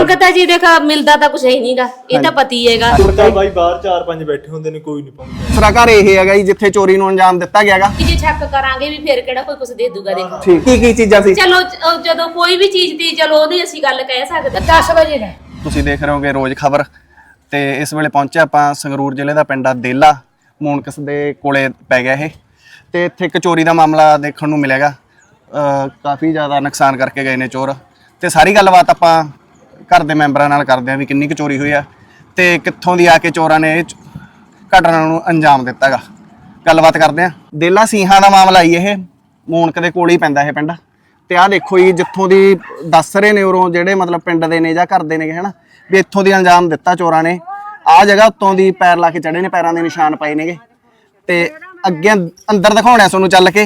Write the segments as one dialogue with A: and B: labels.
A: ਮੰਗਤਾ ਜੀ ਦੇਖਾ ਮਿਲਦਾ ਤਾਂ ਕੁਛ ਹੀ ਨਹੀਂਗਾ, ਇਹ ਤਾਂ ਪਤੀ ਹੈਗਾ।
B: ਬਾਈ ਬਾਹਰ 4-5 ਬੈਠੇ ਹੁੰਦੇ ਨੇ, ਕੋਈ ਨਹੀਂ ਪਾਉਂਦਾ।
C: ਦੂਸਰਾ ਘਰ ਇਹ ਹੈਗਾ ਜੀ ਜਿੱਥੇ ਚੋਰੀ ਨੂੰ ਅੰਜਾਮ ਦਿੱਤਾ ਗਿਆਗਾ।
A: ਕਿ ਜੇ ਚੈੱਕ ਕਰਾਂਗੇ ਵੀ ਫਿਰ ਕਿਹੜਾ ਕੋਈ ਕੁਛ ਦੇ ਦੂਗਾ। ਦੇਖੋ
C: ਠੀਕ, ਕੀ ਚੀਜ਼ਾਂ ਸੀ?
A: ਚਲੋ ਜਦੋਂ ਕੋਈ ਵੀ ਚੀਜ਼ ਦੀ ਚਲੋ ਉਹਦੀ ਅਸੀਂ ਗੱਲ ਕਹਿ ਸਕਦੇ।
D: 10 ਵਜੇ ਦਾ
C: ਤੁਸੀਂ ਦੇਖ ਰਹੇ ਹੋਗੇ ਰੋਜ਼ ਖਬਰ ਤੇ ਇਸ ਵੇਲੇ ਪਹੁੰਚੇ ਆਪਾਂ ਸੰਗਰੂਰ ਜ਼ਿਲ੍ਹੇ ਦਾ ਪਿੰਡ ਆ ਦੇਲਾ, ਮੂਨਕਸ ਦੇ ਕੋਲੇ ਪੈ ਗਿਆ ਇਹ, ਤੇ ਇੱਥੇ ਇੱਕ ਚੋਰੀ ਦਾ ਮਾਮਲਾ ਦੇਖਣ ਨੂੰ ਮਿਲੇਗਾ। ਕਾਫੀ ਜ਼ਿਆਦਾ ਨੁਕਸਾਨ ਕਰਕੇ ਗਏ ਨੇ ਚੋਰ, ਤੇ ਸਾਰੀ ਗੱਲਬਾਤ ਆਪਾਂ ਘਰ ਦੇ ਮੈਂਬਰਾਂ ਨਾਲ ਕਰਦੇ ਆਂ ਵੀ ਕਿੰਨੀ ਕੁ ਚੋਰੀ ਹੋਈ ਆ ਤੇ ਕਿੱਥੋਂ ਦੀ ਆ ਕੇ ਚੋਰਾਂ ਨੇ ਇਹ ਘਟਨਾ ਨੂੰ ਅੰਜਾਮ ਦਿੱਤਾ ਗਾ। ਗੱਲਬਾਤ ਕਰਦੇ ਆਂ। ਦੇਲਾ ਸਿੰਘਾਂ ਦਾ ਮਾਮਲਾ ਹੀ ਇਹ, ਮੂਨਕ ਦੇ ਕੋਲ ਹੀ ਪੈਂਦਾ ਇਹ ਪਿੰਡ। ਤੇ ਆਹ ਦੇਖੋ ਜੀ ਜਿੱਥੋਂ ਦੀ ਦੱਸ ਰਹੇ ਨੇ ਉਰੋਂ ਜਿਹੜੇ ਮਤਲਬ ਪਿੰਡ ਦੇ ਨੇ ਜਾਂ ਘਰ ਦੇ ਨੇ ਹਨਾ, ਵੀ ਇੱਥੋਂ ਦੀ ਅੰਜਾਮ ਦਿੱਤਾ ਚੋਰਾਂ ਨੇ। ਆਹ ਜਗ੍ਹਾ ਉੱਤੋਂ ਦੀ ਪੈਰ ਲਾ ਕੇ ਚੜੇ ਨੇ, ਪੈਰਾਂ ਦੇ ਨਿਸ਼ਾਨ ਪਏ ਨੇਗੇ। ਤੇ ਅੱਗੇ ਅੰਦਰ ਦਿਖਾਉਣਾ ਤੁਹਾਨੂੰ ਚੱਲ ਕੇ।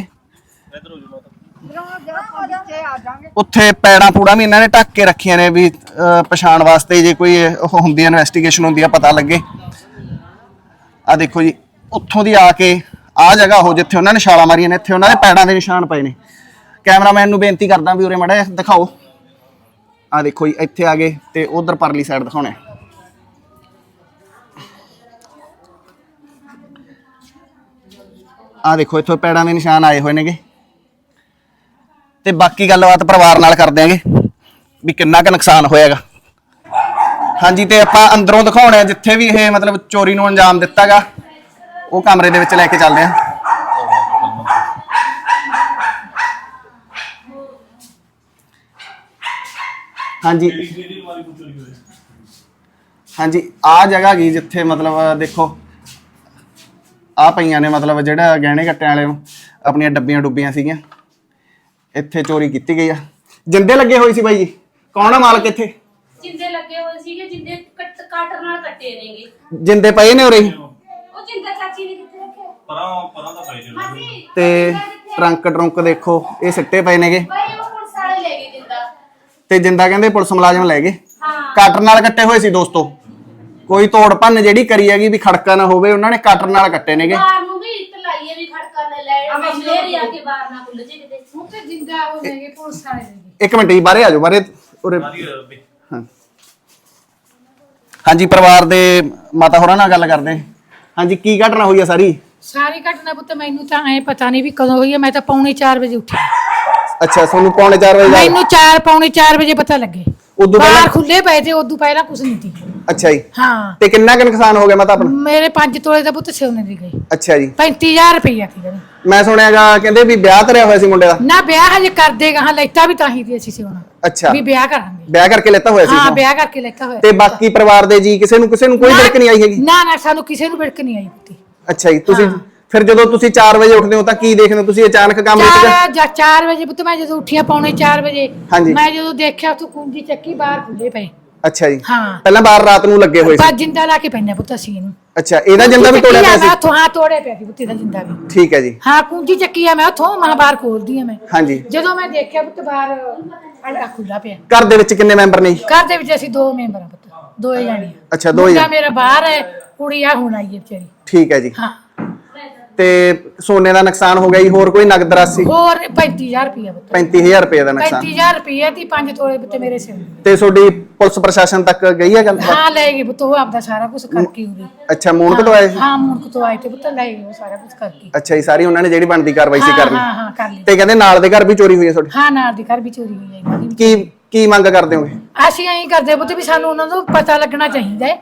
C: ਉੱਥੇ ਪੈੜਾਂ ਪੂੜਾ ਵੀ ਇਹਨਾਂ ਨੇ ਢੱਕ ਕੇ ਰੱਖੀਆਂ ਨੇ ਵੀ ਪਛਾਣ ਵਾਸਤੇ, ਜੇ ਕੋਈ ਉਹ ਹੁੰਦੀ ਹੈ ਇਨਵੈਸਟੀਗੇਸ਼ਨ ਹੁੰਦੀ ਆ ਪਤਾ ਲੱਗੇ। ਆ ਦੇਖੋ ਜੀ ਉੱਥੋਂ ਦੀ ਆ ਕੇ ਆਹ ਜਗ੍ਹਾ ਉਹ ਜਿੱਥੇ ਉਹਨਾਂ ਨੇ ਛਾਲਾਂ ਮਾਰੀਆਂ ਨੇ, ਇੱਥੇ ਉਹਨਾਂ ਦੇ ਪੈੜਾਂ ਦੇ ਨਿਸ਼ਾਨ ਪਏ ਨੇ। ਕੈਮਰਾਮੈਨ ਨੂੰ ਬੇਨਤੀ ਕਰਦਾ ਵੀ ਉਰੇ ਮਾੜਾ ਜਿਹਾ ਦਿਖਾਓ। ਆ ਦੇਖੋ ਜੀ ਇੱਥੇ ਆ ਗਏ ਤੇ ਉਧਰ ਪਰਲੀ ਸਾਈਡ ਦਿਖਾਉਣਾ। ਆ ਦੇਖੋ ਇੱਥੋਂ ਪੈੜਾਂ ਦੇ ਨਿਸ਼ਾਨ ਆਏ ਹੋਏ ਨੇਗੇ। ਤੇ ਬਾਕੀ ਗੱਲਬਾਤ ਪਰਿਵਾਰ ਨਾਲ ਕਰ ਦਿਆਂਗੇ ਵੀ ਕਿੰਨਾ ਕੁ ਨੁਕਸਾਨ ਹੋਇਆਗਾ। ਹਾਂਜੀ, ਤੇ ਆਪਾਂ ਅੰਦਰੋਂ ਦਿਖਾਉਣਾ ਜਿੱਥੇ ਵੀ ਇਹ ਮਤਲਬ ਚੋਰੀ ਨੂੰ ਅੰਜਾਮ ਦਿੱਤਾਗਾ, ਉਹ ਕਮਰੇ ਦੇ ਵਿੱਚ ਲੈ ਕੇ ਚੱਲਦੇ ਆਂ। ਹਾਂਜੀ ਹਾਂਜੀ, ਆ ਜਗ੍ਹਾ ਗਈ ਜਿੱਥੇ ਮਤਲਬ ਦੇਖੋ ਆ ਪਈਆਂ ਨੇ ਮਤਲਬ ਜਿਹੜਾ ਗਹਿਣੇ ਕੱਟਿਆਂ ਵਾਲੇ ਨੂੰ ਆਪਣੀਆਂ ਡੱਬੀਆਂ ਡੁੱਬੀਆਂ ਸੀਗੀਆਂ। ਇੱਥੇ ਚੋਰੀ ਕੀਤੀ ਗਈ ਆ। ਜਿੰਦੇ ਲੱਗੇ ਹੋਏ ਸੀ ਬਾਈ ਜੀ, ਕੌਣ ਆ ਮਾਲਕ ਇੱਥੇ?
A: ਜਿੰਦੇ ਲੱਗੇ ਹੋਏ ਸੀਗੇ, ਜਿੰਦੇ ਕਾਟਰ ਨਾਲ ਕੱਟੇ ਨੇਗੇ।
C: ਜਿੰਦੇ ਪਏ ਨੇ ਉਰੇ?
A: ਉਹ ਜਿੰਦਾ ਚਾਚੀ ਨੇ ਕਿੱਥੇ ਰੱਖਿਆ?
B: ਪਰਾਂ ਦਾ ਪਏ ਨੇ।
C: ਤੇ ਟਰੰਕ ਦੇਖੋ ਇਹ ਸਿੱਟੇ ਪਏ ਨੇਗੇ।
A: ਬਾਈ ਉਹ ਪੁਲਿਸ ਵਾਲੇ ਲੈ ਗਏ ਜਿੰਦਾ।
C: ਤੇ ਜਿੰਦਾ ਕਹਿੰਦੇ ਪੁਲਿਸ ਮੁਲਾਜ਼ਮ ਲੈ ਗਏ।
A: ਹਾਂ,
C: ਕਾਟਰ ਨਾਲ ਕੱਟੇ ਹੋਏ ਸੀ ਦੋਸਤੋ। ਕੋਈ ਤੋੜ ਭੰਨ ਜਿਹੜੀ ਕਰੀ ਹੈਗੀ ਵੀ ਖੜਕਾ ਨਾ ਹੋਵੇ, ਉਹਨਾਂ ਨੇ ਕਾਟਰ ਨਾਲ ਕੱਟੇ ਨੇਗੇ।
A: ਬਾਹਰ ਨੂੰ ਵੀ ਇੱਟ ਲਾਈਏ ਵੀ ਖੜਕਾ ਨਾ ਲੈ, ਮੇਰੀ ਆ ਕੇ ਬਾਹਰ ਨਾ ਖੁੱਲ ਜੇ ਕਿਤੇ।
D: ਹੁਣ ਤੇ ਜਿੰਦਾ ਹੋ ਜਾਏਗੇ ਪੁਲਿਸ ਵਾਲੇ ਦੇ।
C: ਇੱਕ ਮਿੰਟ ਜੀ, ਬਾਹਰੇ ਆ ਜਾਓ, ਬਾਹਰੇ ਉਰੇ। ਹਾਂ ਹਾਂਜੀ, ਪਰਿਵਾਰ ਦੇ ਮਾਤਾ ਹੋਰਾਂ ਨਾਲ ਗੱਲ ਕਰਦੇ। ਹਾਂਜੀ, ਕੀ ਘਟਨਾ ਹੋਈ ਆ ਸਾਰੀ?
D: ਸਾਰੀ ਘਟਨਾ ਪੁੱਤ ਮੈਨੂੰ ਤਾਂ ਐ ਪਤਾ ਨਹੀਂ ਵੀ ਕਦੋਂ ਹੋਈ ਹੈ। ਮੈਂ ਤਾਂ ਪੌਣੇ 4 ਵਜੇ ਉੱਠੀ।
C: ਅੱਛਾ, ਤੁਹਾਨੂੰ ਪੌਣੇ 4 ਵਜੇ
D: ਮੈਨੂੰ ਪੌਣੇ 4 ਵਜੇ ਪਤਾ ਲੱਗੇ।
C: ਉਦੋਂ ਪਹਿਲਾਂ
D: ਬਾਹਰ ਖੁੱਲੇ ਪਏ ਤੇ ਉਦੋਂ ਪਹਿਲਾਂ ਕੁਝ ਨਹੀਂ ਸੀ।
C: ਅੱਛਾ ਜੀ।
D: ਹਾਂ,
C: ਤੇ ਕਿੰਨਾ ਕੁ ਨੁਕਸਾਨ ਹੋ ਗਿਆ ਮਾਤਾ ਆਪਣਾ?
D: ਮੇਰੇ 5 ਤੋਲੇ ਦਾ ਪੁੱਤ ਸੋਨੇ ਦੀ ਗਈ।
C: ਅੱਛਾ ਜੀ।
D: 35000 ਰੁਪਈਆ ਸੀ ਜਿਹੜੀ।
C: ਮੈਂ ਸੁਣਿਆਗਾ ਕਹਿੰਦੇ ਵੀ ਵਿਆਹ ਧਰਿਆ ਹੋਇਆ ਸੀ ਮੁੰਡੇ ਦਾ।
D: ਨਾ ਵਿਆਹ ਹਜੇ ਕਰਦੇ ਗਾਹਾਂ ਲੈਤਾ ਵੀ ਤਾਂ ਹੀ ਦੀ ਅਸੀਂ ਸੋਨਾ
C: ਅੱਛਾ,
D: ਵੀ ਵਿਆਹ ਕਰਾਂਗੇ।
C: ਵਿਆਹ ਕਰਕੇ ਲੈਤਾ ਹੋਇਆ ਸੀ?
D: ਹਾਂ, ਵਿਆਹ ਕਰਕੇ ਲੈਤਾ ਹੋਇਆ।
C: ਤੇ ਬਾਕੀ ਪਰਿਵਾਰ ਦੇ ਜੀ ਕਿਸੇ ਨੂੰ ਕੋਈ ਵਿੜਕ ਨਹੀਂ ਆਈ ਹੈਗੀ?
D: ਨਾ ਸਾਨੂੰ ਕਿਸੇ ਨੂੰ ਵਿੜਕ ਨਹੀਂ ਆਈ ਪੁੱਤੀ।
C: ਅੱਛਾ ਜੀ। ਤੁਸੀਂ ਫਿਰ ਜਦੋਂ ਤੁਸੀਂ 4 ਵਜੇ ਉੱਠਦੇ ਹੋ ਤਾਂ ਕੀ ਦੇਖਦੇ ਹੋ ਤੁਸੀਂ? ਅਚਾਨਕ ਕੰਮ ਵਿੱਚ
D: 4 ਵਜੇ ਪੁੱਤ ਮੈਂ ਜਦੋਂ ਉੱਠਿਆ ਪੌਣੇ 4 ਵਜੇ,
C: ਹਾਂਜੀ।
D: ਮੈਂ ਜਦੋਂ ਦੇਖਿਆ ਤੂੰ ਕੁੰਜੀ ਚੱਕੀ ਬਾਹਰ ਖੁੱਲੇ ਪਏ।
C: ਅੱਛਾ ਜੀ।
D: ਹਾਂ,
C: ਪਹਿਲਾਂ ਬਾਹਰ ਰਾਤ ਨੂੰ ਲੱਗੇ ਹੋਏ ਸੀ?
D: ਬਸ ਜਿੰਦਾ ਲਾ ਕੇ ਪੈਣਾ ਪੁੱਤ ਅਸੀਂ ਇਹਨੂੰ।
C: ਅੱਛਾ, ਇਹਦਾ ਜਿੰਦਾ ਵੀ ਤੋੜਿਆ ਪਿਆ ਸੀ?
D: ਹਾਂ, ਤੋੜਿਆ ਪਿਆ ਸੀ ਪੁੱਤ ਦਾ ਜਿੰਦਾ ਵੀ।
C: ਠੀਕ ਹੈ ਜੀ।
D: ਹਾਂ, ਕੁੰਜੀ ਚੱਕੀ ਆ ਮੈਂ ਉੱਥੋਂ ਬਾਹਰ ਖੋਲਦੀ ਆ ਮੈਂ।
C: ਹਾਂਜੀ।
D: ਜਦੋਂ ਮੈਂ ਦੇਖਿਆ ਪੁੱਤ ਬਾਹਰ ਅੰਡਾ ਖੁੱਲਾ ਪਿਆ।
C: ਘਰ ਦੇ ਵਿੱਚ ਕਿੰਨੇ ਮੈਂਬਰ ਨੇ?
D: ਘਰ ਦੇ ਵਿੱਚ ਅਸੀਂ 2 ਮੈਂਬਰ ਆ ਪੁੱਤ, 2 ਜਾਣੇ।
C: ਅੱਛਾ, 2
D: ਮੁੰਡਾ ਮੇਰਾ ਬਾਹਰ ਹੈ, ਕੁੜੀ ਆ ਹੁਣ ਆਈ ਹੈ ਵਿਚਾਰੀ।
C: ਠੀਕ ਹੈ ਜੀ।
D: ਹਾਂ,
C: ਤੇ ਸੋਨੇ ਦਾ ਨੁਕਸਾਨ ਹੋ ਗਿਆ ਜੀ? ਹੋਰ ਕੋਈ ਨਗਦ ਰਾਸ਼ੀ?
D: ਹੋਰ 35000 ਰੁਪਇਆ ਪੁੱਤ।
C: 35000 ਰੁਪਏ ਦਾ ਨੁਕਸਾਨ?
D: 35000 ਰੁਪਇਆ ਦੀ 5 ਤੋਲੇ ਪੁੱਤ ਮੇਰੇ ਸਿਰ।
C: ਤੇ ਤੁਹਾਡੀ ਪੁਲਿਸ ਪ੍ਰਸ਼ਾਸਨ ਤੱਕ ਗਈ ਹੈ ਗੱਲ?
D: ਹਾਂ, ਲੈ ਗਏ ਪੁੱਤ, ਉਹ ਆਪਦਾ ਸਾਰਾ ਕੁਝ ਕਰਕੇ ਉਰੇ।
C: ਅੱਛਾ, ਮੂਨਕ ਤੋਂ ਆਏ ਸੀ?
D: ਹਾਂ, ਮੁੰਡਕ ਤੋਂ ਆਏ ਤੇ ਪੁੱਤ ਲੈ ਗਏ ਉਹ ਸਾਰਾ ਕੁਝ ਕਰਕੇ।
C: ਅੱਛਾ ਜੀ, ਸਾਰੀ ਉਹਨਾਂ ਨੇ ਜਿਹੜੀ ਬਣਦੀ ਕਾਰਵਾਈ ਸੀ ਕਰਨੀ?
D: ਹਾਂ ਹਾਂ, ਕਰ ਲਈ।
C: ਤੇ ਕਹਿੰਦੇ ਨਾਲ ਦੇ ਘਰ ਵੀ ਚੋਰੀ ਹੋਈ ਹੈ ਤੁਹਾਡੀ?
D: ਹਾਂ, ਨਾਲ ਦੇ ਘਰ ਵੀ ਚੋਰੀ ਹੋਈ ਹੈ ਇਹਨਾਂ ਦੀ।
C: ਕੀ ਮੰਗ ਕਰਦੇ ਹੋਗੇ?
D: ਅਸੀਂ ਐਂ ਕਰਦੇ ਪੁੱਤ ਵੀ ਸਾਨੂੰ ਉਹਨਾਂ ਨੂੰ ਪਤਾ ਲੱਗਣਾ ਚਾਹੀਦਾ ਹੈ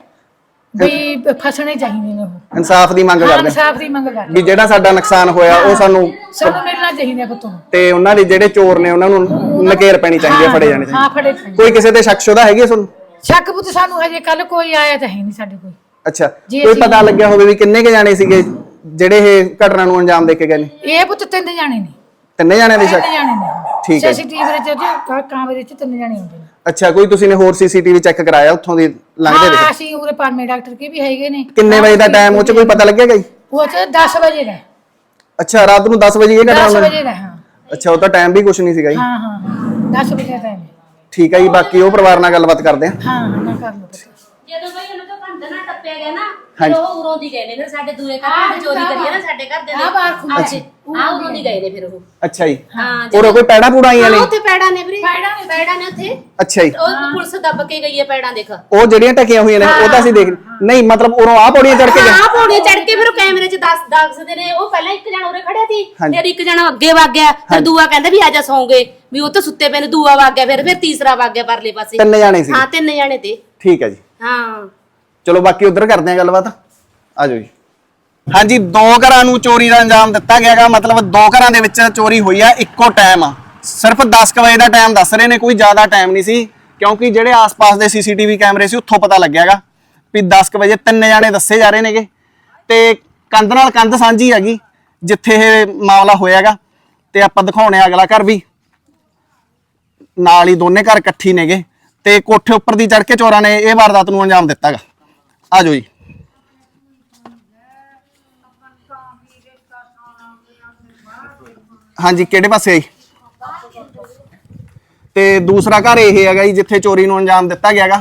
D: ਵੀ ਫਸਣੇ ਚਾਹੀਦੇ ਨੇ ਉਹ।
C: ਇਨਸਾਫ ਦੀ ਮੰਗ
D: ਹਾਂ,
C: ਕਰਦੇ
D: ਇਨਸਾਫ ਦੀ ਮੰਗ ਕਰਦੇ
C: ਵੀ ਜਿਹੜਾ ਸਾਡਾ ਨੁਕਸਾਨ ਹੋਇਆ ਉਹ ਸਾਨੂੰ
D: ਮਿਲਣਾ ਚਾਹੀਦਾ ਪੁੱਤ ਨੂੰ।
C: ਤੇ ਉਹਨਾਂ ਦੇ ਜਿਹੜੇ ਚੋਰ ਨੇ ਉਹਨਾਂ ਨੂੰ ਨਕੇਰ ਪੈਣੀ ਚਾਹੀਦੀ ਹੈ, ਫੜੇ ਜਾਣੇ
D: ਹਾਂ,
C: ਚਾਹੀਦੇ।
D: ਫੜੇ ਚਾਹੀਦੇ।
C: ਕੋਈ ਕਿਸੇ ਤੇ ਸ਼ੱਕ ਸ਼ੁਦਾ ਹੈਗੀ ਹੈ ਤੁਹਾਨੂੰ?
D: ਸ਼ੱਕ ਪੁੱਤ ਸਾਨੂੰ ਹਜੇ ਕੱਲ ਕੋਈ ਆਇਆ ਤਾਂ ਹੈ ਨਹੀਂ ਸਾਡੇ ਕੋਲ।
C: ਅੱਛਾ,
D: ਜੀ
C: ਕੋਈ
D: ਅਸੀਂ-
C: ਪਤਾ ਲੱਗਿਆ ਹੋਵੇ ਵੀ ਕਿੰਨੇ ਕੇ ਜਾਣੇ ਸੀਗੇ ਜਿਹੜੇ ਇਹ ਘਟਨਾ ਨੂੰ ਅੰਜਾਮ ਦੇ ਕੇ ਗਏ ਨੇ?
D: ਇਹ ਪੁੱਤ 3 ਜਾਣੇ ਨੇ।
C: 3 ਜਾਣਿਆਂ ਦੀ
D: 3
C: ਸ਼ੱਕ?
D: ਜਾਣੇ ਨੇ।
C: ਠੀਕ ਹੈ।
D: ਸੀਸੀਟੀਵੀ ਵਿੱਚ ਕੈਮਰੇ 'ਚ 3 ਜਾਣੇ ਹੁੰਦੇ ਨੇ।
C: ਅੱਛਾ, ਕੋਈ ਤੁਸੀਂ ਨੇ ਹੋਰ ਸੀਸੀਟੀਵੀ ਚੈੱਕ ਕਰਾਇਆ ਉੱਥੋਂ ਦੀ ਲੰਘਦੇ
D: ਹਾਂ,
C: ਦੇ?
D: ਅਸੀਂ ਉਰੇ ਪਾਰਮੇ ਡਾਕਟਰ ਕੇ ਵੀ ਹੈਗੇ ਨੇ।
C: ਕਿੰਨੇ ਵਜੇ ਦਾ ਟਾਈਮ ਉਹ ਚ ਕੋਈ ਪਤਾ ਲੱਗਿਆ ਗਈ?
D: ਉਹ 'ਚ 10 ਵਜੇ ਦਾ।
C: ਅੱਛਾ, ਰਾਤ ਨੂੰ 10 ਵਜੇ ਇਹ ਘਟਨਾ
D: 10
C: ਹੋਈ?
D: ਵਜੇ ਦਾ। ਹਾਂ
C: ਅੱਛਾ, ਉਹ ਤਾਂ ਟਾਈਮ ਵੀ ਕੁਝ ਨਹੀਂ ਸੀਗਾ ਜੀ।
D: ਹਾਂ ਹਾਂ, 10 ਵਜੇ ਦਾ ਟਾਈਮ।
C: ਠੀਕ ਹੈ ਜੀ, ਬਾਕੀ ਉਹ ਪਰਿਵਾਰ ਨਾਲ ਗੱਲਬਾਤ ਕਰਦੇ ਆ।
D: ਹਾਂ, ਨਾ ਕਰ ਲਓ।
A: ਜਦੋਂ ਬਈ ਉਹਨਾਂ ਤੋਂ ਕੰਧ ਨਾ ਟੱਪੇ ਟੱਪਿਆ ਗਿਆ ਨਾ ਫਿਰ ਉਹ ਉਰੋਂ ਦੀ ਗਏ ਨੇ ਫਿਰ ਸਾਡੇ ਦੂਏ ਘਰ ਦੇ ਚੋਰੀ ਕਰੀਏ ਨਾ ਸਾਡੇ ਘਰ ਦੇ
D: ਆ ਬਾਹਰ ਖੁੱਲ੍ਹਾ
A: ਆ ਉਰੋਂ ਦੀ ਗਏ ਨੇ ਫਿਰ ਉਹ
C: ਅੱਛਾ ਜੀ
A: ਹਾਂ
C: ਹੋਰ ਕੋਈ ਪੈੜਾ ਪੂੜਾ ਆਈਆਂ ਨੇ
A: ਉੱਥੇ ਪੈੜਾਂ ਨੇ ਵੀਰੇ ਪੈੜਾਂ ਨੇ ਉੱਥੇ
C: ਅੱਛਾ ਜੀ
A: ਉਹ ਪੁਲਿਸ ਦੱਬ ਕੇ ਗਈ ਹੈ ਪੈੜਾਂ ਦੇਖ
C: ਉਹ ਜਿਹੜੀਆਂ ਟਕੀਆਂ ਹੋਈਆਂ ਨੇ ਉਹ ਤਾਂ ਅਸੀਂ ਦੇਖ ਨਹੀਂ ਮਤਲਬ ਉਰੋਂ ਆ ਪੌੜੀਆਂ ਚੜ ਕੇ ਗਏ
A: ਹਾਂ ਪੌੜੀ ਚੜ ਕੇ ਫਿਰ ਉਹ ਕੈਮਰੇ 'ਚ ਦੱਸਦੇ ਨੇ ਉਹ ਪਹਿਲਾਂ ਇੱਕ ਜਣਾ ਉਰੇ ਖੜਿਆ ਸੀ ਫਿਰ ਇੱਕ ਜਣਾ ਅੱਗੇ ਵਗ ਗਿਆ ਫਿਰ ਦੂਆ ਕਹਿੰਦਾ ਵੀ ਆਜਾ ਸੌਂਗੇ ਵੀ ਉਹ ਤਾਂ ਸੁੱਤੇ ਪਏ ਨੇ ਦੂਆ ਵਗ ਗਿਆ ਫਿਰ ਤੀਸਰਾ ਵਗ ਗਿਆ ਪਰਲੇ ਪਾਸੇ
C: 3 ਜਾਣੇ ਸੀ
A: ਹਾਂ 3 ਜਣੇ ਤੇ
C: ਠੀਕ ਹੈ ਜੀ
A: ਹਾਂ
C: ਚਲੋ ਬਾਕੀ ਉਧਰ ਕਰਦੇ ਆ ਗੱਲਬਾਤ ਆ ਜਾਓ ਜੀ ਹਾਂਜੀ 2 ਘਰਾਂ ਨੂੰ ਚੋਰੀ ਦਾ ਅੰਜਾਮ ਦਿੱਤਾ ਗਿਆਗਾ ਮਤਲਬ 2 ਘਰਾਂ ਦੇ ਵਿੱਚ ਚੋਰੀ ਹੋਈ ਆ ਇੱਕੋ ਟਾਈਮ ਸਿਰਫ 10 ਵਜੇ ਦਾ ਟਾਈਮ ਦੱਸ ਰਹੇ ਨੇ ਕੋਈ ਜ਼ਿਆਦਾ ਟਾਈਮ ਨਹੀਂ ਸੀ ਕਿਉਂਕਿ ਜਿਹੜੇ ਆਸ-ਪਾਸ ਦੇ ਸੀਸੀਟੀਵੀ ਕੈਮਰੇ ਸੀ ਉੱਥੋਂ ਪਤਾ ਲੱਗਿਆਗਾ ਵੀ 10 ਵਜੇ 3 ਜਾਣੇ ਦੱਸੇ ਜਾ ਰਹੇ ਨੇਗੇ ਤੇ ਕੰਧ ਨਾਲ ਕੰਧ ਸਾਂਝੀ ਹੈਗੀ ਜਿੱਥੇ ਇਹ ਮਾਮਲਾ ਹੋਇਆਗਾ ਤੇ ਆਪਾਂ ਦਿਖਾਉਣੇ ਆ ਅਗਲਾ ਘਰ ਵੀ ਨਾਲ ਹੀ ਦੋਨੇ ਘਰ ਇਕੱਠੀ ਨੇਗੇ ਤੇ ਕੋਠੇ ਉੱਪਰ ਦੀ ਚੜ ਕੇ ਚੋਰਾਂ ਨੇ ਇਹ ਵਾਰਦਾਤ ਨੂੰ ਅੰਜਾਮ ਦਿੱਤਾਗਾ ਆ ਜਾਓ ਜੀ ਹਾਂਜੀ ਕਿਹੜੇ ਪਾਸੇ ਆਈ ਤੇ ਦੂਸਰਾ ਘਰ ਇਹ ਹੈਗਾ ਜੀ ਜਿੱਥੇ ਚੋਰੀ ਨੂੰ ਅੰਜਾਮ ਦਿੱਤਾ ਗਿਆਗਾ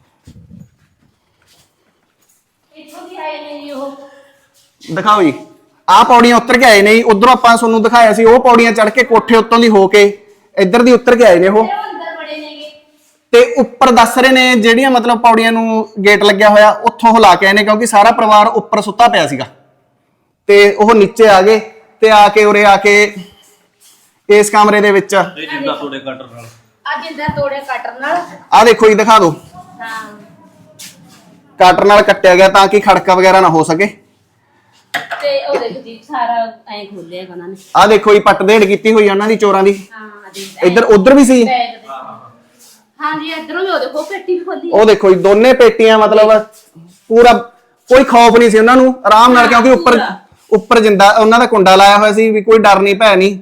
A: ਇੱਥੋਂ ਦੀ ਆਏ ਨੇ ਜੀ ਉਹ
C: ਦਿਖਾਓ ਜੀ ਆਹ ਪੌੜੀਆਂ ਉੱਤਰ ਕੇ ਆਏ ਨੇ ਜੀ ਉਧਰੋਂ ਆਪਾਂ ਤੁਹਾਨੂੰ ਦਿਖਾਇਆ ਸੀ ਉਹ ਪੌੜੀਆਂ ਚੜ ਕੇ ਕੋਠੇ ਉੱਤੋਂ ਦੀ ਹੋ ਕੇ ਇੱਧਰ ਦੀ ਉੱਤਰ ਕੇ ਆਏ ਨੇ ਉਹ
A: ਅੰਦਰ ਬੜੇ ਨੇਗੇ
C: ਤੇ ਉੱਪਰ ਦੱਸ ਰਹੇ ਨੇ ਜਿਹੜੀਆਂ ਮਤਲਬ ਪੌੜੀਆਂ ਨੂੰ ਗੇਟ ਲੱਗਿਆ ਹੋਇਆ ਉੱਥੋਂ ਹਿਲਾ ਕੇ ਆਏ ਨੇ ਕਿਉਂਕਿ ਸਾਰਾ ਪਰਿਵਾਰ ਉੱਪਰ ਸੁੱਤਾ ਪਿਆ ਸੀਗਾ ਤੇ ਉਹ ਨੀਚੇ ਆ ਗਏ ਤੇ ਆ ਕੇ ਉਰੇ ਆ ਕੇ ਇਸ ਕਮਰੇ ਦੇ ਵਿੱਚ
B: ਇਹ ਜਿੰਦਾ ਤੋੜੇ ਕਟਰ ਨਾਲ
A: ਅੱਜ ਇੰਦਰ ਤੋੜੇ ਕਟਰ ਨਾਲ
C: ਆ ਦੇਖੋ ਜੀ ਦਿਖਾ ਦਿਓ
A: ਹਾਂ
C: ਕਟਰ ਨਾਲ ਕੱਟਿਆ ਗਿਆ ਤਾਂ ਕਿ ਖੜਕਾ ਵਗੈਰਾ ਨਾ ਹੋ ਸਕੇ
A: ਤੇ ਉਹ ਦੇਖ ਜੀ ਸਾਰਾ ਐਂ ਖੋਲਿਆ ਉਹਨਾਂ ਨੇ
C: ਆ ਦੇਖੋ ਜੀ ਪੱਟ ਦੇੜ ਕੀਤੀ ਹੋਈ ਆ ਉਹਨਾਂ ਦੀ ਚੋਰਾਂ ਦੀ
A: ਹਾਂ
C: ਇੱਧਰ ਉਧਰ ਵੀ ਸੀ
A: ਹਾਂ ਜੀ ਇਧਰੋਂ ਵੀ ਉਹ ਦੇਖੋ ਪੇਟੀ ਵੀ ਖੋਲੀ
C: ਉਹ ਦੇਖੋ ਜੀ ਦੋਨੇ ਪੇਟੀਆਂ ਮਤਲਬ ਪੂਰਾ ਕੋਈ ਖੌਫ ਨਹੀਂ ਸੀ ਉਹਨਾਂ ਨੂੰ ਆਰਾਮ ਨਾਲ ਕਿਉਂਕਿ ਉੱਪਰ ਜਿੰਦਾ ਉਹਨਾਂ ਦਾ ਕੁੰਡਾ ਲਾਇਆ ਹੋਇਆ ਸੀ ਵੀ ਕੋਈ ਡਰ ਨਹੀਂ ਭੈ ਨਹੀਂ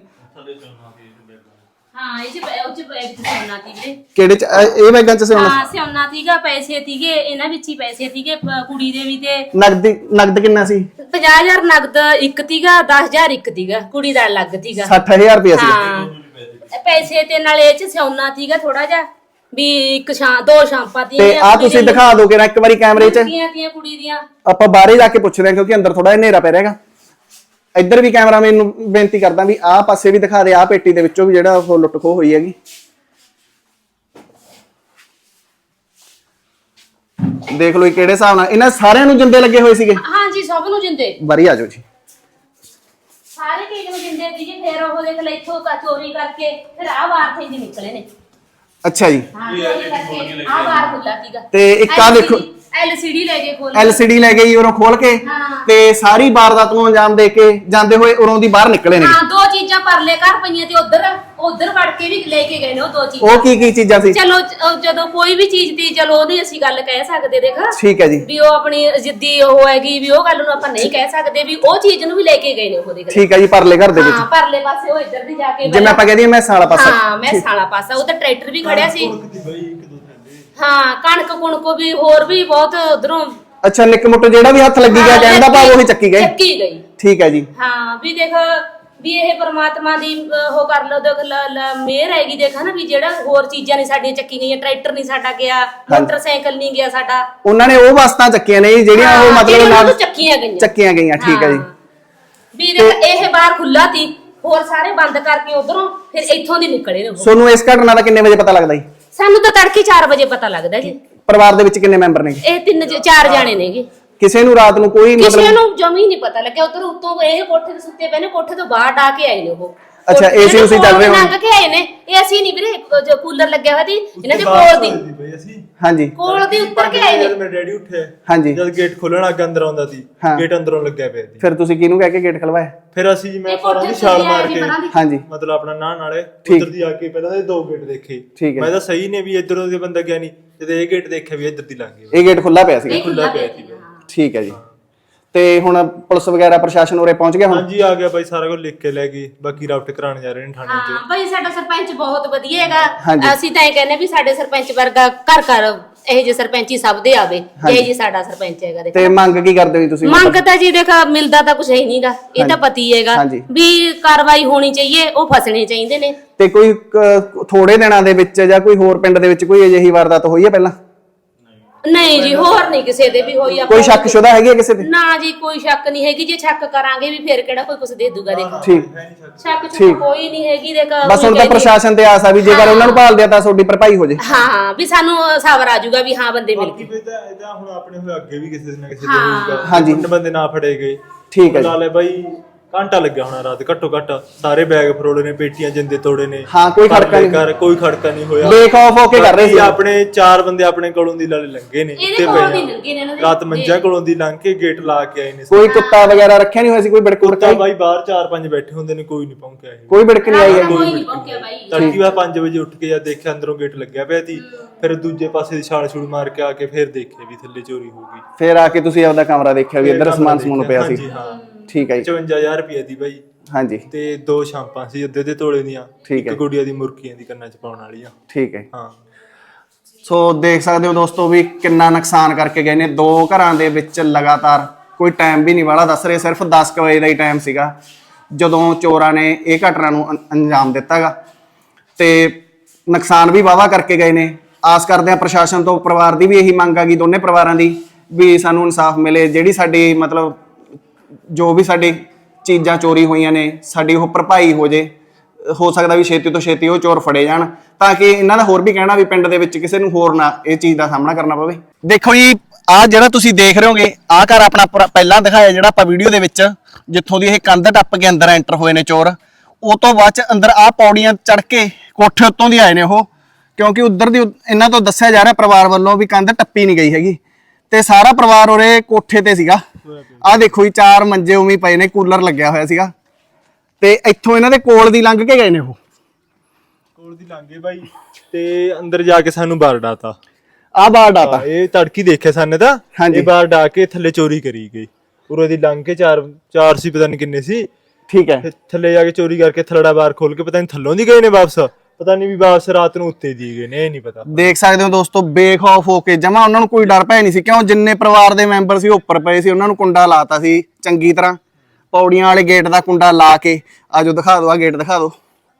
A: ਹਾਂ ਇਹ ਚ ਬੈਗ ਚ ਸੋਨਾ ਸੀ ਵੀਰੇ
C: ਕਿਹੜੇ ਚ ਇਹ ਬੈਗਾਂ ਚ ਸੋਨਾ
A: ਹਾਂ ਸੋਨਾ ਸੀਗਾ ਪੈਸੇ ਸੀਗੇ ਇਹਨਾਂ ਵਿੱਚ ਹੀ ਪੈਸੇ ਸੀਗੇ ਕੁੜੀ ਦੇ ਵੀ ਤੇ
C: ਨਗਦ ਕਿੰਨਾ ਸੀ
A: 50000 ਨਗਦ ਇੱਕ ਸੀਗਾ 10000 ਇੱਕ ਸੀਗਾ ਕੁੜੀ ਦਾ ਅਲੱਗ ਸੀਗਾ
C: 60000 ਰੁਪਏ ਸੀ
A: ਹਾਂ ਪੈਸੇ ਤੇ ਨਾਲ ਇਹ ਚ ਸੋਨਾ ਸੀਗਾ ਥੋੜਾ ਜਿਹਾ ਵੀ ਇੱਕ ਦੋ ਸ਼ਾਂਪਾਂ
C: ਤੇ ਆ ਤੁਸੀਂ ਦਿਖਾ ਦੋਗੇ ਨਾ ਇੱਕ ਵਾਰੀ ਕੈਮਰੇ 'ਚ
A: ਤੀਆਂ ਕੁੜੀ ਦੀਆਂ
C: ਆਪਾਂ ਬਾਹਰੇ ਜਾ ਕੇ ਪੁੱਛਦੇ ਹਾਂ ਕਿਉਂਕਿ ਅੰਦਰ ਥੋੜਾ ਹਨੇਰਾ ਪੈ ਰਿਹਾਗਾ ਇੱਧਰ ਵੀ ਕੈਮਰਾਮੈਨ ਨੂੰ ਬੇਨਤੀ ਕਰਦਾ ਵੀ ਆਹ ਪਾਸੇ ਵੀ ਦਿਖਾ ਦੇ ਆਹ ਪੇਟੀ ਦੇ ਵਿੱਚੋਂ ਵੀ ਜਿਹੜਾ ਉਹ ਲੁੱਟ ਖੋਹ ਹੋਈ ਹੈਗੀ ਦੇਖ ਲਓ ਕਿਹੜੇ ਹਿਸਾਬ ਨਾਲ ਇਹਨਾਂ ਸਾਰਿਆਂ ਨੂੰ ਜਿੰਦੇ ਲੱਗੇ ਹੋਏ ਸੀਗੇ
A: ਹਾਂ ਜੀ ਸਭ ਨੂੰ ਜਿੰਦੇ
C: ਬਾਰੀ ਆ ਜਾਓ ਜੀ
A: ਸਾਰੇ ਕੇਕ ਨੂੰ ਜਿੰਦੇ ਸੀਗੇ ਫਿਰ ਉਹ ਦੇਖ ਲੈ ਇੱਥੋਂ ਚੋਰੀ ਕਰਕੇ ਫਿਰ ਆਹ ਬਾਹਰ থেকে ਨਿਕਲੇ ਨੇ
C: ਅੱਛਾ ਜੀ
A: ਹਾਂ ਚੋਰੀ ਕਰਕੇ ਆਹ ਬਾਹਰ ਖੁੱਲਾ ਸੀਗਾ
C: ਤੇ ਇੱਕ ਆ ਦੇਖੋ
A: LCD ਲੈ ਕੇ ਖੋਲ
C: LCD ਲੈ ਗਈ ਉਰੋਂ ਖੋਲ ਕੇ ਤੇ ਸਾਰੀ ਵਾਰਦਾਤ ਨੂੰ ਅੰਜਾਮ ਦੇ ਕੇ ਜਾਂਦੇ ਹੋਏ ਉਰੋਂ ਦੀ ਬਾਹਰ ਨਿਕਲੇ ਨੇ
A: ਹਾਂ ਦੋ ਚੀਜ਼ਾਂ ਪਰਲੇ ਘਰ ਪਈਆਂ ਤੇ ਉਧਰ ਵੜ ਕੇ ਵੀ ਲੈ ਕੇ ਗਏ ਨੇ ਉਹ ਦੋ ਚੀਜ਼ਾਂ
C: ਉਹ ਕੀ ਚੀਜ਼ਾਂ ਸੀ
A: ਚਲੋ ਜਦੋਂ ਕੋਈ ਵੀ ਚੀਜ਼ ਦੀ ਚਲੋ ਉਹਦੀ ਅਸੀਂ ਗੱਲ ਕਹਿ ਸਕਦੇ ਦੇਖ
C: ਠੀਕ ਹੈ ਜੀ
A: ਵੀ ਉਹ ਆਪਣੀ ਜਿੱਦੀ ਉਹ ਹੈਗੀ ਵੀ ਉਹ ਗੱਲ ਨੂੰ ਆਪਾਂ ਨਹੀਂ ਕਹਿ ਸਕਦੇ ਵੀ ਉਹ ਚੀਜ਼ ਨੂੰ ਵੀ ਲੈ ਕੇ ਗਏ ਨੇ ਉਹ ਦੇਖ
C: ਠੀਕ ਹੈ ਜੀ ਪਰਲੇ ਘਰ ਦੇ ਵਿੱਚ
A: ਹਾਂ ਪਰਲੇ ਪਾਸੇ ਉਹ ਇੱਧਰ ਦੀ ਜਾ ਕੇ
C: ਜਿਵੇਂ ਆਪਾਂ ਕਹਿੰਦੇ ਮੈਂ ਸਾਲਾ ਪਾਸਾ
A: ਹਾਂ ਮੈਂ ਸਾਲਾ ਪਾਸਾ ਉਹ ਤਾਂ ਟਰੈਕਟਰ ਵੀ ਖੜਿਆ ਸੀ ਹਾਂ ਕਣਕ ਕੁਣਕੋ ਵੀ ਹੋਰ ਵੀ ਬਹੁਤ ਉਧਰੋਂ
C: ਅੱਛਾ ਨਿੱਕ ਮੁੱਟ ਜਿਹੜਾ ਵੀ ਹੱਥ ਲੱਗੀ ਗਿਆ ਕਹਿੰਦਾ ਭਾਵ ਉਹੀ ਚੱਕੀ
A: ਗਈ
C: ਠੀਕ ਹੈ ਜੀ
A: ਹਾਂ ਵੀ ਦੇਖ ਵੀ ਇਹ ਪਰਮਾਤਮਾ ਦੀ ਉਹ ਕਰ ਲਓ ਦੇਖ ਮਿਹਰ ਹੈਗੀ ਦੇਖ ਨਾ ਵੀ ਜਿਹੜਾ ਹੋਰ ਚੀਜ਼ਾਂ ਨਹੀਂ ਸਾਡੀਆਂ ਚੱਕੀ ਗਈਆਂ ਟਰੈਕਟਰ ਨਹੀਂ ਸਾਡਾ ਗਿਆ ਮੋਟਰਸਾਈਕਲ ਨਹੀਂ ਗਿਆ ਸਾਡਾ
C: ਉਹਨਾਂ ਨੇ ਉਹ ਵਸਤਾਂ ਚੱਕੀਆਂ ਨੇ ਜਿਹੜੀਆਂ ਉਹ ਮਤਲਬ ਨਾਲ ਚੱਕੀਆਂ ਗਈਆਂ ਠੀਕ ਹੈ ਜੀ
A: ਵੀ ਦੇਖ ਇਹ ਬਾਹਰ ਖੁੱਲਾ ਸੀ ਹੋਰ ਸਾਰੇ ਬੰਦ ਕਰਕੇ ਉਧਰੋਂ ਫਿਰ ਇੱਥੋਂ ਦੀ ਨਿਕਲੇ ਨੇ ਉਹ
C: ਤੁਹਾਨੂੰ ਇਸ ਘਟਨਾ ਦਾ ਕਿੰਨੇ ਵਜੇ ਪਤਾ ਲੱਗਦਾ ਜੀ
A: ਸਾਨੂੰ ਤਾਂ ਤੜਕੇ 4 ਵਜੇ ਪਤਾ ਲੱਗਦਾ ਜੀ
C: ਪਰਿਵਾਰ ਦੇ ਵਿੱਚ ਕਿੰਨੇ ਮੈਂਬਰ ਨੇ
A: ਇਹ 4 ਜਾਣੇ ਨੇਗੇ
C: ਕਿਸੇ ਨੂੰ ਰਾਤ ਨੂੰ ਕੋਈ
A: ਕਿਸੇ ਨੂੰ ਜਮੀ ਨਹੀਂ ਪਤਾ ਲੱਗਿਆ ਉਧਰ ਉੱਤੋਂ ਇਹ ਕੋਠੇ ਤੇ ਸੁੱਤੇ ਪਏ ਨੇ ਕੋਠੇ ਤੋਂ ਬਾਹਰ ਡਾ ਕੇ ਆਏ ਨੇ ਉਹ
C: ਅੱਛਾ ਏਸੀ ਉਸੇ ਚੱਲ ਰਹੇ
A: ਲੰਘ ਕੇ ਆਏ ਨੇ ਇਹ ਅਸੀਂ ਨਹੀਂ ਵੀਰੇ ਜੋ ਕੂਲਰ ਲੱਗਿਆ ਹੋਇਆ ਸੀ ਇਹਨਾਂ ਦੇ ਕੋਲ ਦੀ
C: ਹਾਂਜੀ
A: ਕੋਲ ਦੀ ਉੱਤਰ ਕੇ ਆਏ ਨੇ
B: ਜਦ ਮੇਰਾ ਡੈਡੀ ਉੱਠਿਆ
C: ਹਾਂਜੀ
B: ਜਦ ਗੇਟ ਖੋਲਣ ਅੱਗੇ ਅੰਦਰ ਆਉਂਦਾ ਸੀ ਗੇਟ ਅੰਦਰੋਂ ਲੱਗਿਆ ਪਿਆ ਸੀ
C: ਫਿਰ ਤੁਸੀਂ ਕਿਹਨੂੰ ਕਹਿ ਕੇ ਗੇਟ ਖਲਵਾਇਆ
B: ਫਿਰ ਅਸੀਂ ਜੀ ਮੈਂ ਪਰਾਂ ਦੀ ਛਾਲ ਮਾਰ ਕੇ
C: ਹਾਂਜੀ
B: ਮਤਲਬ ਆਪਣਾ ਨਾਲੇ ਉਧਰ ਦੀ ਆ ਕੇ ਪਹਿਲਾਂ ਦੇ 2 ਗੇਟ ਦੇਖੇ ਮੈਂ ਤਾਂ ਸਹੀ ਨੇ ਵੀ ਇਧਰੋਂ ਦੇ ਬੰਦਾ ਗਿਆ ਨਹੀਂ ਤੇ ਇਹ ਗੇਟ ਦੇਖਿਆ ਵੀ ਇੱਧਰ ਦੀ ਲੰਘ ਗਿਆ
C: ਇਹ ਗੇਟ ਖੁੱਲਾ ਪਿਆ ਸੀ
B: ਖੁੱਲਾ ਪਿਆ ਸੀ
C: ਠੀਕ ਹੈ ਜੀ ਤੇ ਹੁਣ ਪੁਲਿਸ ਵਗੈਰਾ ਪ੍ਰਸ਼ਾਸਨ ਉਰੇ ਪਹੁੰਚ ਗਿਆ ਹੁਣ
B: ਹਾਂਜੀ ਆ ਗਿਆ ਬਾਈ ਸਾਰਾ ਕੁਝ ਲਿਖ ਕੇ ਲੈ ਗਈ ਬਾਕੀ ਰਾਊਟ ਕਰਾਉਣ ਜਾ ਰਹੇ ਨੇ ਥਾਣੇ 'ਚ
A: ਹਾਂ ਬਾਈ ਸਾਡਾ ਸਰਪੰਚ ਬਹੁਤ ਵਧੀਆ ਹੈਗਾ ਅਸੀਂ ਤਾਂ ਇਹ ਕਹਿੰਦੇ ਵੀ ਸਾਡੇ ਸਰਪੰਚ ਵਰਗਾ ਘਰ ਘਰ ਇਹ ਜੇ ਸਰਪੰਚੀ ਸਭ ਦੇ ਆਵੇ ਇਹ ਜੀ ਸਾਡਾ ਸਰਪੰਚ ਹੈਗਾ ਦੇਖੋ
C: ਤੇ ਮੰਗ ਕੀ ਕਰਦੇ ਹੋ ਤੁਸੀਂ
A: ਮੰਗ ਤਾਂ ਜੀ ਦੇਖ ਮਿਲਦਾ ਤਾਂ ਕੁਝ ਹੈ ਨਹੀਂਗਾ ਇਹ ਤਾਂ ਪਤੀ ਹੈਗਾ ਵੀ ਕਾਰਵਾਈ ਹੋਣੀ ਚਾਹੀਏ ਉਹ ਫਸਣੇ ਚਾਹੀਦੇ ਨੇ
C: ਤੇ ਕੋਈ ਥੋੜੇ ਦਿਨਾਂ ਦੇ ਵਿੱਚ ਜਾਂ ਕੋਈ ਹੋਰ ਪਿੰਡ ਦੇ ਵਿੱਚ ਕੋਈ ਅਜਿਹੀ ਵਾਰਦਾਤ ਹੋਈ ਹੈ ਪਹਿਲਾਂ
A: ਨਹੀਂ ਜੀ ਹੋਰ ਨਹੀਂ ਕਿਸੇ ਦੇ ਵੀ ਹੋਈ
C: ਕੋਈ ਸ਼ੱਕ ਸ਼ੁਦਾ ਹੈਗੀ ਹੈ ਕਿਸੇ ਤੇ?
A: ਨਾ ਜੀ ਕੋਈ ਸ਼ੱਕ ਨਹੀਂ ਹੈਗੀ, ਜੇ ਸ਼ੱਕ ਕਰਾਂਗੇ ਵੀ ਫਿਰ ਕਿਹੜਾ ਕੋਈ ਕੁਛ ਦੇ ਦੂਗਾ ਦੇਖ।
C: ਠੀਕ
A: ਸ਼ੱਕ ਚ ਕੋਈ ਨਹੀਂ ਹੈਗੀ ਦੇਖ।
C: ਬਸ ਹੁਣ ਤਾਂ ਪ੍ਰਸ਼ਾਸਨ ਤੇ ਆਸ ਆ ਵੀ ਜੇਕਰ ਉਹਨਾਂ ਨੂੰ ਭਾਲਦੇ ਆ ਤਾਂ ਤੁਹਾਡੀ ਭਰਪਾਈ ਹੋ ਜੇ।
A: ਹਾਂ ਵੀ ਸਾਨੂੰ ਸਬਰ ਆ ਜਾਊਗਾ ਵੀ ਹਾਂ ਬੰਦੇ ਮਿਲ ਗਏ।
B: ਇਹਦਾ ਹੁਣ ਆਪਣੇ ਹੋਏ ਅੱਗੇ ਵੀ ਕਿਸੇ ਨਾ ਕਿਸੇ ਦੇ ਹੋਊਗਾ।
C: ਹਾਂਜੀ।
B: ਬੰਦੇ ਨਾ ਫੜੇ ਗਏ।
C: ਠੀਕ ਹੈ ਜੀ।
B: ਲਾ ਲੈ ਬਾਈ ਘੰਟਾ ਲੱਗਿਆ ਹੋਣਾ ਰਾਤ ਘੱਟੋ ਘੱਟ, ਸਾਰੇ ਬੈਗ ਫਰੋੜੇ ਨੇ, ਪੇਟੀਆਂ ਜਿੰਦੇ ਤੋੜੇ ਨੇ।
C: ਹਾਂ ਕੋਈ ਖੜਕਾ ਨਹੀਂ,
B: ਕੋਈ ਖੜਕਾ ਨਹੀਂ ਹੋਇਆ।
C: ਬੇਖੌਫ ਹੋ ਕੇ ਕਰ ਰਹੇ ਸੀ।
B: ਆਪਣੇ 4 ਬੰਦੇ ਆਪਣੇ ਕੋਲੋਂ ਦੀ ਲਾਲੇ ਲੰਘੇ ਨੇ
A: ਇਹਦੇ ਕੋਲੋਂ ਦੀ ਲੰਘੇ ਨੇ ਇਹਨਾਂ ਦੇ।
B: ਰਾਤ ਮੰਜਾ ਕੋਲੋਂ ਦੀ ਲੰਘ ਕੇ ਗੇਟ ਲਾ ਕੇ ਆਏ ਨੇ।
C: ਕੋਈ ਕੁੱਤਾ ਵਗੈਰਾ ਰੱਖਿਆ ਨਹੀਂ ਹੋਇਆ ਸੀ? ਕੋਈ ਬਿੜਕ
B: ਕੁੱਤਾ ਬਾਈ ਬਾਹਰ 4-5 ਬੈਠੇ ਹੁੰਦੇ ਨੇ, ਕੋਈ ਨਹੀਂ ਪਹੁੰਚਿਆ ਇਹ।
C: ਕੋਈ ਬਿੜਕ ਨਹੀਂ ਆਈ ਹੈਗੀ?
A: ਕੋਈ ਨਹੀਂ ਪਹੁੰਚਿਆ ਬਾਈ।
B: ਤੜਕੀ ਵਾ 5 ਵਜੇ ਉੱਠ ਕੇ ਜਦ ਦੇਖਿਆ ਅੰਦਰੋਂ ਗੇਟ ਲੱਗਿਆ ਪਿਆ ਸੀ, ਫਿਰ ਦੂਜੇ ਪਾਸੇ ਦੀ ਛਾਲ ਛੂਲ ਮਾਰ ਕੇ ਆ ਕੇ ਫਿਰ ਦੇਖਿਆ ਵੀ ਥੱਲੇ ਚੋਰੀ ਹੋ ਗਈ।
C: ਫਿਰ ਆ ਕੇ ਤੁਸੀਂ ਆਪਦਾ ਕਮਰਾ ਦੇਖਿਆ ਵੀ ਇੱਧਰ ਸਮਾਨ ਸਮੂਨ ਪਿਆ ਸੀ?
B: ਹਾਂਜੀ ਹਾਂ।
C: ਠੀਕ ਹੈ ਜੀ।
B: 55000 ਰੁਪਏ ਦੀ ਬਾਈ।
C: ਹਾਂਜੀ।
B: ਤੇ 2 ਸ਼ਾਂਪਾਂ ਸੀ ਅੱਧੇ ਤੋਲੇ ਦੀਆਂ,
C: ਠੀਕ ਹੈ।
B: ਇੱਕ ਗੁੜੀਆ ਦੀ ਮੁਰਕੀਆਂ ਦੀ ਕੰਨਾਂ 'ਚ ਪਾਉਣ ਵਾਲੀਆਂ।
C: ਠੀਕ ਹੈ।
B: ਹਾਂ
C: ਸੋ ਦੇਖ ਸਕਦੇ ਹੋ ਦੋਸਤੋ ਵੀ ਕਿੰਨਾ ਨੁਕਸਾਨ ਕਰਕੇ ਗਏ ਨੇ। 2 ਘਰਾਂ ਦੇ ਵਿੱਚ ਲਗਾਤਾਰ, ਕੋਈ ਟਾਈਮ ਵੀ ਨਹੀਂ ਵਾਲਾ ਦੱਸ ਰਹੇ, ਸਿਰਫ 10 ਵਜੇ ਦਾ ਹੀ ਟਾਈਮ ਸੀਗਾ ਜਦੋਂ ਚੋਰਾਂ ਨੇ ਇਹ ਘਟਨਾ ਨੂੰ ਅੰਜਾਮ ਦਿੱਤਾਗਾ ਤੇ ਨੁਕਸਾਨ ਵੀ ਵਾਵਾ ਕਰਕੇ ਗਏ ਨੇ। ਆਸ ਕਰਦੇ ਆ ਪ੍ਰਸ਼ਾਸਨ ਤੋਂ, ਪਰਿਵਾਰ ਦੀ ਵੀ ਇਹੀ ਮੰਗ ਆ ਗਈ, ਦੋਨੇ ਪਰਿਵਾਰਾਂ ਦੀ, ਵੀ ਸਾਨੂੰ ਇਨਸਾਫ ਮਿਲੇ। ਜਿਹੜੀ ਸਾਡੀ ਮਤਲਬ ਜੋ ਵੀ ਸਾਡੀ ਚੀਜ਼ਾਂ ਚੋਰੀ ਹੋਈਆਂ ਨੇ ਸਾਡੀ ਉਹ ਭਰਪਾਈ ਹੋ ਜੇ। ਹੋ ਸਕਦਾ ਵੀ ਛੇਤੀ ਤੋਂ ਛੇਤੀ ਉਹ ਚੋਰ ਫੜੇ ਜਾਣ ਤਾਂ ਕਿ ਇਹਨਾਂ ਦਾ ਹੋਰ ਵੀ ਕਹਿਣਾ ਵੀ ਪਿੰਡ ਦੇ ਵਿੱਚ ਕਿਸੇ ਨੂੰ ਹੋਰ ਨਾ ਇਹ ਚੀਜ਼ ਦਾ ਸਾਹਮਣਾ ਕਰਨਾ ਪਵੇ। ਦੇਖੋ ਜੀ ਆਹ ਜਿਹੜਾ ਤੁਸੀਂ ਦੇਖ ਰਹੇ ਹੋਗੇ, ਆਹ ਘਰ ਆਪਣਾ ਪਹਿਲਾਂ ਦਿਖਾਇਆ ਜਿਹੜਾ ਆਪਾਂ ਵੀਡੀਓ ਦੇ ਵਿੱਚ, ਜਿੱਥੋਂ ਦੀ ਇਹ ਕੰਧ ਟੱਪ ਕੇ ਅੰਦਰ ਐਂਟਰ ਹੋਏ ਨੇ ਚੋਰ। ਉਹ ਤੋਂ ਬਾਅਦ ਚ ਅੰਦਰ ਆਹ ਪੌੜੀਆਂ ਚੜ ਕੇ ਕੋਠੇ ਉੱਤੋਂ ਦੀ ਆਏ ਨੇ ਉਹ, ਕਿਉਂਕਿ ਉਧਰ ਦੀ ਇਹਨਾਂ ਤੋਂ ਦੱਸਿਆ ਜਾ ਰਿਹਾ ਪਰਿਵਾਰ ਵੱਲੋਂ ਵੀ ਕੰਧ ਟੱਪੀ ਨਹੀਂ ਗਈ ਹੈਗੀ ਤੇ ਸਾਰਾ ਪਰਿਵਾਰ ਉਰੇ ਕੋਠੇ ਤੇ ਸੀਗਾ। ਆਹ ਦੇਖੋ ਜੀ 4 ਮੰਜੇ ਉਵੇਂ ਪਏ ਨੇ, ਕੂਲਰ ਲੱਗਿਆ ਹੋਇਆ ਸੀਗਾ ਤੇ ਇੱਥੋਂ ਇਹਨਾਂ ਦੇ ਕੋਲ ਦੀ ਲੰਘ ਕੇ ਗਏ ਨੇ ਉਹ।
B: ਕੋਲ ਦੀ ਲੰਘੇ ਬਾਈ ਤੇ ਅੰਦਰ ਜਾ ਕੇ ਸਾਨੂੰ ਬਾਹਰ ਡਾਤਾ।
C: ਆਹ ਬਾਹਰ ਡਾਤਾ
B: ਇਹ ਤੜਕੀ ਦੇਖਿਆ ਸਾਨੇ ਤਾਂ। ਇਹ ਬਾਹਰ ਡਾ ਕੇ ਥੱਲੇ ਚੋਰੀ ਕਰੀ ਗਈ। ਉਰੇ ਦੀ ਲੰਘ ਕੇ 4 ਸੀ, ਪਤਾ ਨਹੀਂ ਕਿੰਨੇ ਸੀ।
C: ਠੀਕ ਹੈ।
B: ਥੱਲੇ ਜਾ ਕੇ ਚੋਰੀ ਕਰਕੇ ਥਲੜਾ ਬਾਹਰ ਖੋਲ ਕੇ ਪਤਾ ਨਹੀਂ ਥੱਲੋਂ ਦੀ ਗਏ ਨੇ ਵਾਪਸ, ਪਤਾ ਨਹੀਂ ਵੀ ਵਾਪਸ ਰਾਤ ਨੂੰ ਉੱਤੇ ਦੀ ਗਏ ਨੇ, ਇਹ ਨਹੀਂ ਪਤਾ।
C: ਦੇਖ ਸਕਦੇ ਹੋ ਦੋਸਤੋ ਬੇਖੌਫ ਹੋ ਕੇ ਜਮਾ, ਉਹਨਾਂ ਨੂੰ ਕੋਈ ਡਰ ਭੈ ਨਹੀਂ ਸੀ। ਕਿਉਂ ਜਿੰਨੇ ਪਰਿਵਾਰ ਦੇ ਮੈਂਬਰ ਸੀ ਉੱਪਰ ਪਏ ਸੀ, ਉਹਨਾਂ ਨੂੰ ਕੁੰਡਾ ਲਾਤਾ ਸੀ ਚੰਗੀ ਤਰ੍ਹਾਂ, ਪੌੜੀਆਂ ਵਾਲੇ ਗੇਟ ਦਾ ਕੁੰਡਾ ਲਾ ਕੇ। ਆਜੋ ਦਿਖਾ ਦਿਓ, ਆਹ ਗੇਟ ਦਿਖਾ ਦਿਓ।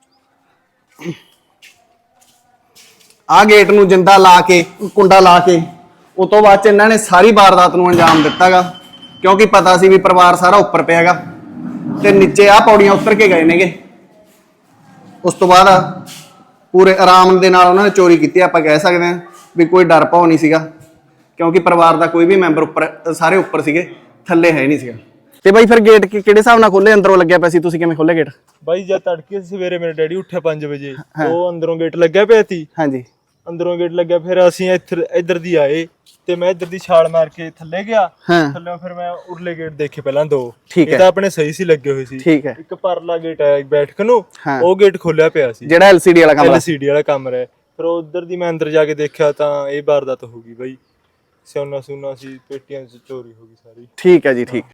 C: ਆਹ ਗੇਟ ਨੂੰ ਜਿੰਦਾ ਲਾ ਕੇ, ਕੁੰਡਾ ਲਾ ਕੇ, ਉਸ ਤੋਂ ਬਾਅਦ ਚ ਇਹਨਾਂ ਨੇ ਸਾਰੀ ਵਾਰਦਾਤ ਨੂੰ ਅੰਜਾਮ ਦਿੱਤਾਗਾ ਕਿਉਂਕਿ ਪਤਾ ਸੀ ਵੀ ਪਰਿਵਾਰ ਸਾਰਾ ਉੱਪਰ ਪਿਆਗਾ ਤੇ ਨੀਚੇ ਆਹ ਪੌੜੀਆਂ ਉਤਰ ਕੇ ਗਏ ਨੇਗੇ। ਉਸ ਤੋਂ ਬਾਅਦ ਪੂਰੇ ਆਰਾਮ ਦੇ ਨਾਲ ਉਹਨਾਂ ਨੇ ਚੋਰੀ ਕੀਤੀ। ਆਪਾਂ ਕਹਿ ਸਕਦੇ ਹਾਂ ਵੀ ਕੋਈ ਡਰ ਭੌ ਨਹੀਂ ਸੀਗਾ ਕਿਉਂਕਿ ਪਰਿਵਾਰ ਦਾ ਕੋਈ ਵੀ ਮੈਂਬਰ ਉੱਪਰ, ਸਾਰੇ ਉੱਪਰ ਸੀਗੇ, ਥੱਲੇ ਹੈ ਨਹੀਂ ਸੀਗਾ। ਤੇ ਬਾਈ ਫਿਰ ਗੇਟ ਕਿਹੜੇ ਹਿਸਾਬ ਨਾਲ ਖੋਲੇ? ਅੰਦਰੋਂ ਲੱਗਿਆ ਪਿਆ ਸੀ, ਤੁਸੀਂ ਕਿਵੇਂ ਖੋਲੇ ਗੇਟ?
B: ਬਾਈ ਜਦ ਤੜਕੇ ਸਵੇਰੇ ਮੇਰੇ ਡੈਡੀ ਉੱਠਿਆ 5 ਵਜੇ, ਉਹ ਅੰਦਰੋਂ ਗੇਟ ਲੱਗਿਆ ਪਿਆ ਸੀ।
C: ਹਾਂਜੀ।
B: ਅੰਦਰੋਂ ਗੇਟ ਲੱਗਿਆ, ਫਿਰ ਅਸੀਂ ਇੱਧਰ ਦੀ ਆਏ ਤੇ ਮੈਂ ਇੱਧਰ ਦੀ ਛਾਲ ਮਾਰ ਕੇ ਥੱਲੇ ਗਿਆ। ਥੱਲੇ ਫਿਰ ਮੈਂ ਉਰਲੇ ਗੇਟ ਦੇਖੇ ਪਹਿਲਾਂ 2। ਇਹ ਤਾਂ ਆਪਣੇ ਸਹੀ ਸੀ ਲੱਗੇ ਹੋਏ ਸੀ।
C: ਠੀਕ ਹੈ।
B: ਇੱਕ ਪਰਲਾ ਗੇਟ ਹੈ ਬੈਠਕ ਨੂੰ, ਉਹ ਗੇਟ ਖੋਲਿਆ ਪਿਆ ਸੀ,
C: ਜਿਹੜਾ LCD ਵਾਲਾ ਕਮਰਾ।
B: LCD ਵਾਲਾ ਕਮਰਾ ਹੈ। ਫਿਰ ਉਧਰ ਦੀ ਮੈਂ ਅੰਦਰ ਜਾ ਕੇ ਦੇਖਿਆ ਤਾਂ ਇਹ ਵਾਰਦਾਤ ਹੋ ਗਈ ਬਾਈ। ਸੋਨਾ ਸੁਨਾ ਸੀ, ਪੇਟੀਆਂ ਚ ਚੋਰੀ ਹੋ ਗਈ ਸਾਰੀ।
C: ਠੀਕ ਹੈ ਜੀ, ਠੀਕ।